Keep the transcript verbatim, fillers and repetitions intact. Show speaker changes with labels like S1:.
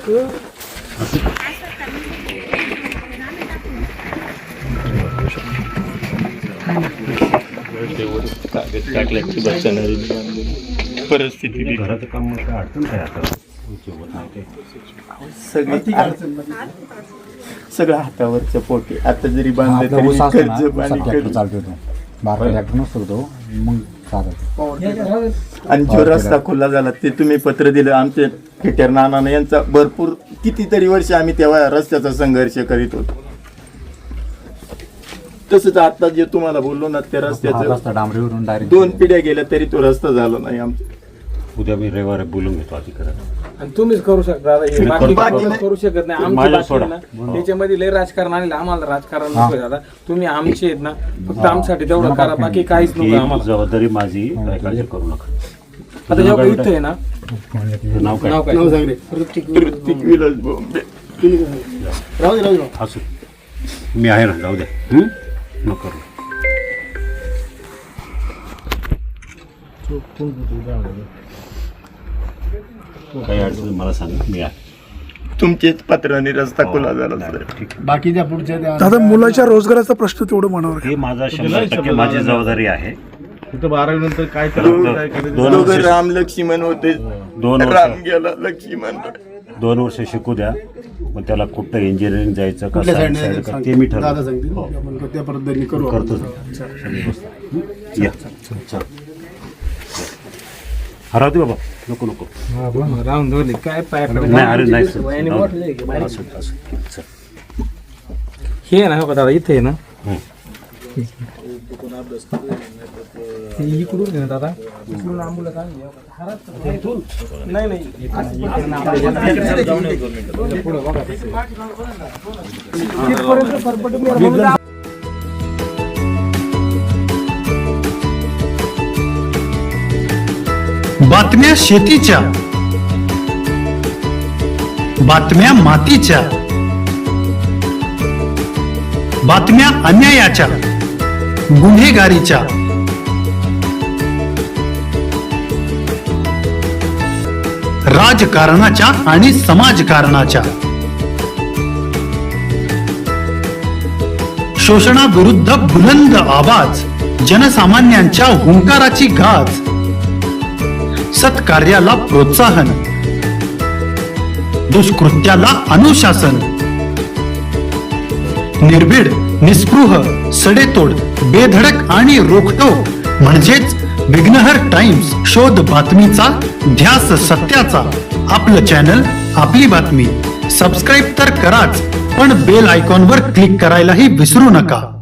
S1: टाकल्याची बसणारी परिस्थिती
S2: घराचं काम काय अडचण काय आता
S3: सगळी सगळं हातावरचं पोटे आता जरी बांधलं तरी कर्ज पाणी
S4: चालतो बारा ट्रॅक्टर नसतो तो मग चालत.
S3: आणि जो रस्ता खुला झाला ते तुम्ही पत्र दिलं आमचे खेटर नाना यांचा भरपूर कितीतरी वर्ष आम्ही तेव्हा रस्त्याचा संघर्ष करीत होतो. तसंच आता जे तुम्हाला बोललो ना त्या रस्त्याचा
S4: डांबरीवरून डायरेक्ट
S3: दोन पिढ्या गेल्या तरी तो रस्ता झाला नाही आमचा.
S2: उद्या मी रविवारी बोलून घेतो अधिकाऱ्याला.
S5: आणि तुम्हीच करू शकता हे बाकी कोणी करू शकत नाही. आमची
S2: माझ्या
S5: बाकी
S2: सोडा.
S5: आहे ना त्याच्यामध्ये लय राजकारण आलेलं आम्हाला राजकारण नको दादा. तुम्ही आमचे आहेत ना फक्त आमच्यासाठी तेवढं करा बाकी काहीच नको
S2: ही
S5: आम्हाला.
S2: जबाबदारी माझी काय काळजी करू नका.
S5: आता जेव्हा इथं आहे ना
S2: नाव काय
S5: नाव काय
S3: ऋतिक विलास बोंबे.
S2: असू मी आहे ना जाऊ द्या नको करू. काही अडचण मला सांगा मी आहे.
S3: तुमचेच पत्राने रस्ता खुला झाला सर.
S4: बाकीच्या पुढच्या
S6: दादा मुलाच्या रोजगाराचा प्रश्न तेवढं मनावर
S2: हे माझा शंभर टक्के माझी जबाबदारी आहे.
S1: तिथं बारावी नंतर काय
S2: दोन
S3: दोघं
S2: वर्ष
S3: राम लक्ष्मण होते.
S2: दोन
S3: राम
S2: वर्ष
S3: गेला लक्ष्मण.
S2: दोन वर्ष शिकू द्या मग त्याला कुठं इंजिनिअरिंग जायचं का सायन्स साईड का ते मी ठरवतो.
S4: त्या पद्धतीने करू
S2: करतो या चल हरावते बाबा नको नको
S5: राहून धरले काय पाय
S2: नाही अरे नाही सर. असं, असं. चल.
S5: हे आहे ना हो का दादा इथे आहे ना
S2: हं.
S5: हे इकडून आहे ना दादा इकडून आंबुला काय नाही नाही पुढे बघा तिथपर्यंत सरपट
S7: बातम्या शेतीच्या, बातम्या मातीच्या, बातम्या अन्यायाच्या, गुन्हेगारीच्या, राजकारणाच्या आणि समाजकारणाच्या, शोषणाविरुद्ध बुलंद आवाज, जनसामान्यांच्या हुंकाराची गाज, सत्कार्याला प्रोत्साहन, दुष्कृत्याला अनुशासन, निर्भीड, निस्पृह, सडेतोड, बेधडक आणि रोखटोक म्हणजेच विघ्नहर टाइम्स. शोध बातमीचा, ध्यास सत्याचा. आपलं चॅनल, आपली बातमी. सबस्क्राईब तर कराच पण बेल आयकॉनवर क्लिक करायलाही विसरू नका.